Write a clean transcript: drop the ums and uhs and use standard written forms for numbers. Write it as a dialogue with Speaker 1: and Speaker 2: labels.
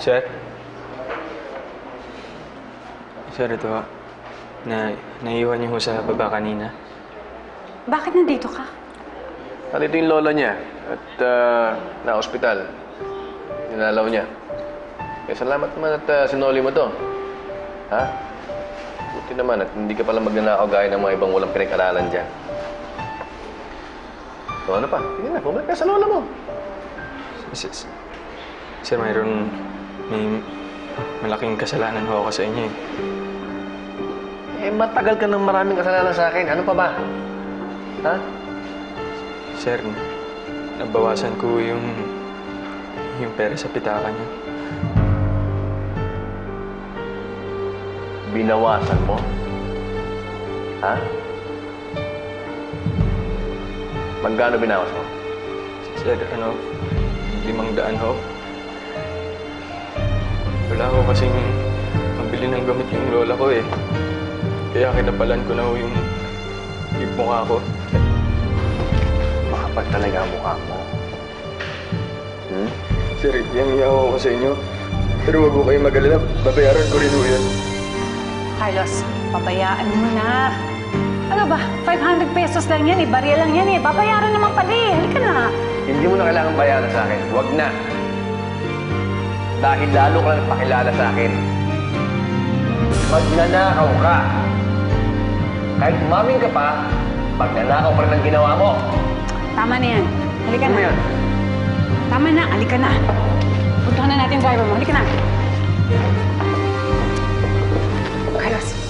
Speaker 1: Sir? Sir, ito ho. Naiwan niyo ho sa baba kanina.
Speaker 2: Bakit nandito ka?
Speaker 3: Nandito yung lola niya at na-hospital. Ninalaw niya. Kaya salamat naman at sinoli mo to. Ha? Buti naman at hindi ka pala magnanakaw gaya ng mga ibang walang pinag-aralan dyan. So ano pa? Sige na, bumalik ka sa lola mo.
Speaker 1: Sir, may malaking kasalanan ho ako sa inyo eh.
Speaker 3: Eh, matagal ka ng maraming kasalanan sa akin. Ano pa ba? Ha?
Speaker 1: Sir, nabawasan ko yung pera sa pitaka niyo.
Speaker 3: Binawasan mo? Ha? Magkano binawas mo?
Speaker 1: Sir, 500 ho. Wala ko kasing mabili ng gamit yung lola ko eh. Kaya kinapalan ko na ho yung mukha ko.
Speaker 3: Makapal talaga ang mukha mo.
Speaker 1: Sir, iyang-iyaw ako sa inyo. Pero wag ko kayong mag-alala. Babayaran ko rin ho yan.
Speaker 2: Carlos, pabayaan mo na. Ano ba? 500 pesos lang yan eh. Barya lang yan eh. Babayaran naman pala eh. Halika na.
Speaker 3: Hindi mo na kailangan bayaran sa akin. Huwag na. Dahil lalo ka lang pakilala sa akin. Magnanakaw ka. Kahit umaming ka pa, magnanakaw pa rin ang ginawa mo.
Speaker 2: Tama na yan. Halika na.
Speaker 3: Ano yan?
Speaker 2: Tama na. Halika na. Puntahan na natin yung driver mo. Halika na. Carlos.